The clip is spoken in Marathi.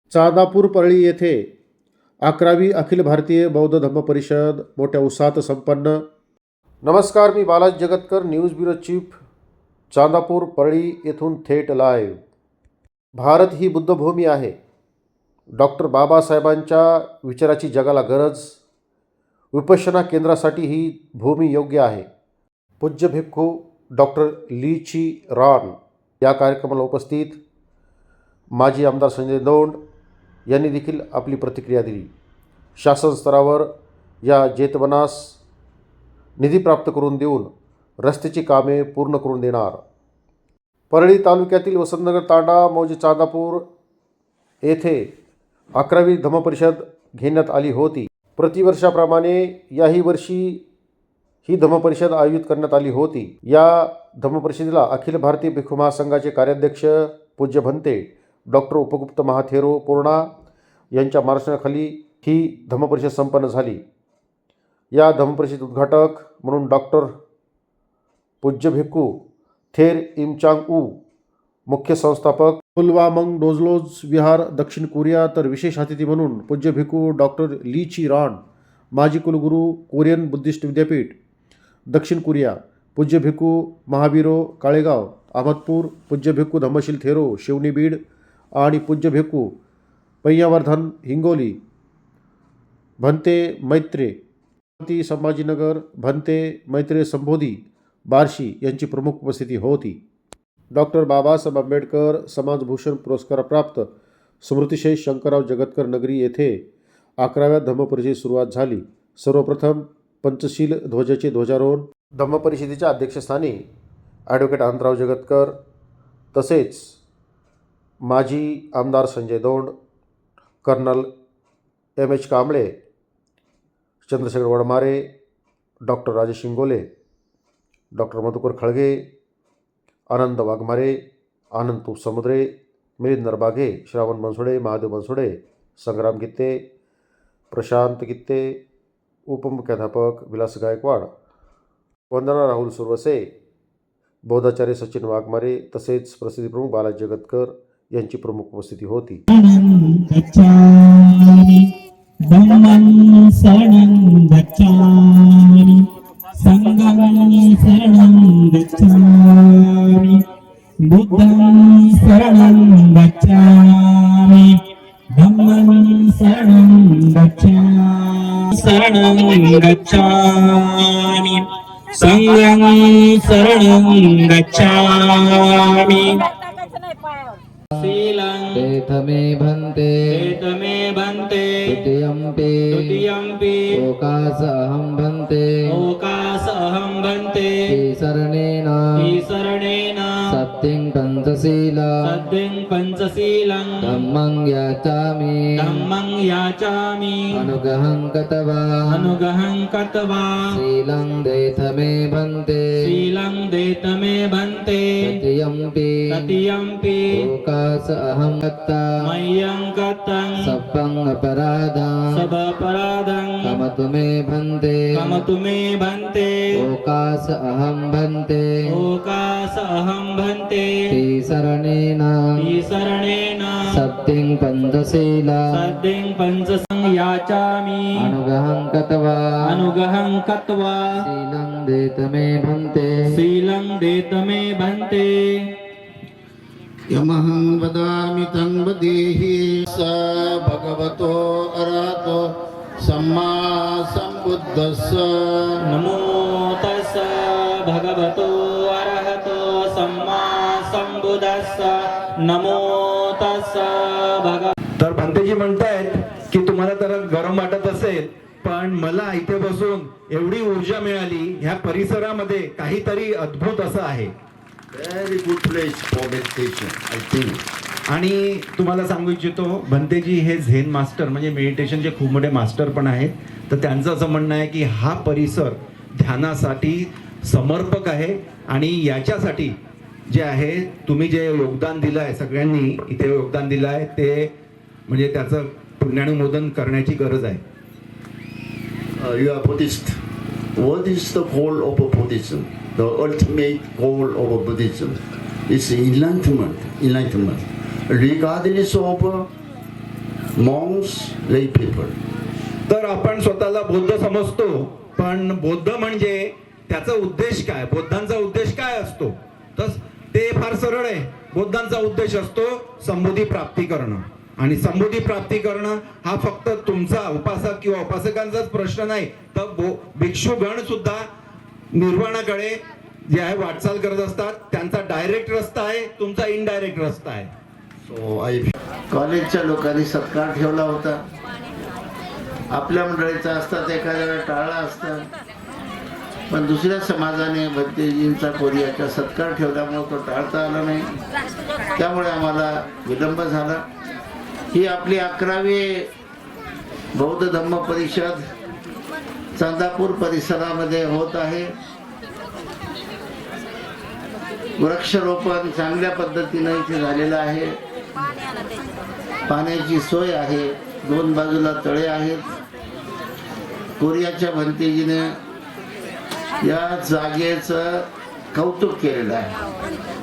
चांदापूर परळी येथे 11वी अखिल भारतीय बौद्ध धम्म परिषद मोठ्या उत्साहात संपन्न. नमस्कार, मी Balaji Jagatkar, news bureau chief, Chandapur Parli येथून थेट लाईव्ह. भारत ही बुद्धभूमी आहे. डॉक्टर बाबासाहेबांच्या विचाराची जगाला गरज. विपश्यना केंद्रासाठी ही भूमी योग्य आहे. पूज्य भिक्खू डॉक्टर ली ची रान या कार्यक्रमाला उपस्थित माजी आमदार संजय दौंड यांनी देखील आपली प्रतिक्रिया दिली. शासन स्तरावर या जेतवनास निधी प्राप्त करून देऊन रस्त्याची कामे पूर्ण करून देणार. परळी तालुक्यातील वसंतनगर तांडा मौजे चांदापूर येथे 11वी धम्मपरिषद घेण्यात आली होती. प्रतिवर्षाप्रमाणे याही वर्षी ही धम्मपरिषद आयोजित करण्यात आली होती. या धम्मपरिषदेला अखिल भारतीय भिक्खू महासंघाचे कार्याध्यक्ष पूज्य भंते डॉक्टर उपगुप्त महाथेरो पूर्णा यांच्या मार्गदर्शनाखाली ही धम्मपरिषद संपन्न झाली. या धम्मपरिषद उद्घाटक म्हणून डॉक्टर पूज्य भिक्खू थेर इमचांग ऊ, मुख्य संस्थापक पुलवामंग डोजलोज विहार दक्षिण कोरिया, तर विशेष अतिथी म्हणून पूज्य भिक्खू डॉक्टर ली ची रान, माजी कुलगुरू कोरियन बुद्धिस्ट विद्यापीठ दक्षिण कोरिया, पूज्य भिक्खू महावीरो काळेगाव अहमदपूर, पूज्य भिक्खू धम्मशील थेरो शिवनी बीड आणि पूज्य भिक्खू पय्यावर्धन हिंगोली, भंते मैत्रे संभाजीनगर, भंते मैत्रे संबोधी बार्शी यांची प्रमुख उपस्थिती होती. डॉक्टर बाबासाहेब आंबेडकर समाजभूषण पुरस्कारप्राप्त स्मृतिशेष शंकरराव जगतकर नगरी येथे 11व्या धम्मपरिषदेची सुरुवात झाली. सर्वप्रथम पंचशील ध्वजाचे ध्वजारोहण धम्मपरिषदेच्या अध्यक्षस्थानी ॲडव्होकेट अनंतराव जगतकर, तसेच माजी आमदार Sanjay Daund, colonel M H. Kamble, Chandrashekhar Wadmare, doctor Rajesh Shingole, doctor Madhukar Khalge, Anand Waghmare, Anand तूप समुद्रे, मिलिंद नरबागे, श्रावण बनसोडे, महादेव बनसोडे, संग्राम गित्ते, प्रशांत गित्ते, उपमुख्याध्यापक विलास गायकवाड, वंदना राहुल सुरवसे, बौद्धाचार्य सचिन वाघमारे, तसेच प्रसिद्धी प्रमुख बालाजी जगतकर यांची प्रमुख उपस्थिती होती. धम्मं शरणं गच्छामि, संघं शरणं गच्छामि, बुद्धं शरणं गच्छामि, धम्मं शरणं गच्छामि, शरणं गच्छामि, संघं शरणं गच्छामि. शीलं तेथमे भन्ते द्वितीयम्पि ओकासहं भन्ते शरणेन सत्यं पंचशीलं धम्मं याचामि अनुग्रहं कत्वा शीलं देथमे भन्ते तृतीयम्पि ओकासहं मय्यं कतं सप्पं अपराधं कमतु मे भन्ते ओकास अहं भन्ते शरणेन सत्यं पंचशीलं याचामि अनुग्रहं कत्वा शीलं देतमे भन्ते यमहं वदामि तं वदेहि स भगवतो अरहतो सम्मा सम्बुद्धस्स. नमो तस्स भगवतो अरहतो सम्मा सम्बुद्धस्स. नमो तस्स तर भंतेजी म्हणतायत की तुम्हाला तर गरम वाटत असेल, पण मला इथे बसून एवढी ऊर्जा मिळाली. ह्या परिसरामध्ये काहीतरी अद्भुत असं आहे. Very good place for meditation, I think. आणि तुम्हाला सांगू इच्छितो, भंतेजी हे झेन मास्टर म्हणजे मेडिटेशनचे खूप मोठे मास्टर पण आहेत. तर त्यांचं असं म्हणणं आहे की हा परिसर ध्यानासाठी समर्पक आहे आणि याच्यासाठी जे आहे तुम्ही जे योगदान दिलं आहे, सगळ्यांनी इथे योगदान दिलं आहे, ते म्हणजे त्याचं पुण्यानुमोदन करण्याची गरज आहे. You are Buddhist. What is the goal of Buddhism? The ultimate goal of Buddhism is enlightenment. Regardless of monks, lay people. तर आपण स्वतःला बौद्ध समजतो, पण बौद्ध म्हणजे त्याचा उद्देश काय, बुद्धांचा उद्देश काय असतो? तर ते फार सरळ आहे. बुद्धांचा उद्देश असतो संबोधी प्राप्ती करणं, आणि संबोधी प्राप्ती करणं हा फक्त तुमचा उपासक किंवा उपासकांचाच प्रश्न नाही, तर भिक्षुगण सुद्धा निर्वाणाकडे जे आहे वाटचाल करत असतात. त्यांचा डायरेक्ट रस्ता आहे, तुमचा इनडायरेक्ट रस्ता आहे. So I कॉलेजच्या लोकांनी सत्कार ठेवला होता. आपल्या मंडळीचा असता ते एखाद्या वेळा टाळला असता, पण दुसऱ्या समाजाने भंतेजींचा कोरियाचा सत्कार ठेवल्यामुळे तो टाळता आला नाही. त्यामुळे आम्हाला विलंब झाला. ही आपली 11वी बौद्ध धम्म परिषद चांदापूर परिसरामध्ये होत आहे. वृक्षारोपण चांगल्या पद्धतीने इथे झालेलं आहे. पाण्याची सोय आहे, 2 बाजूला तळे आहेत. कोरियाच्या भंतेजीने या जागेचं कौतुक केलेलं आहे.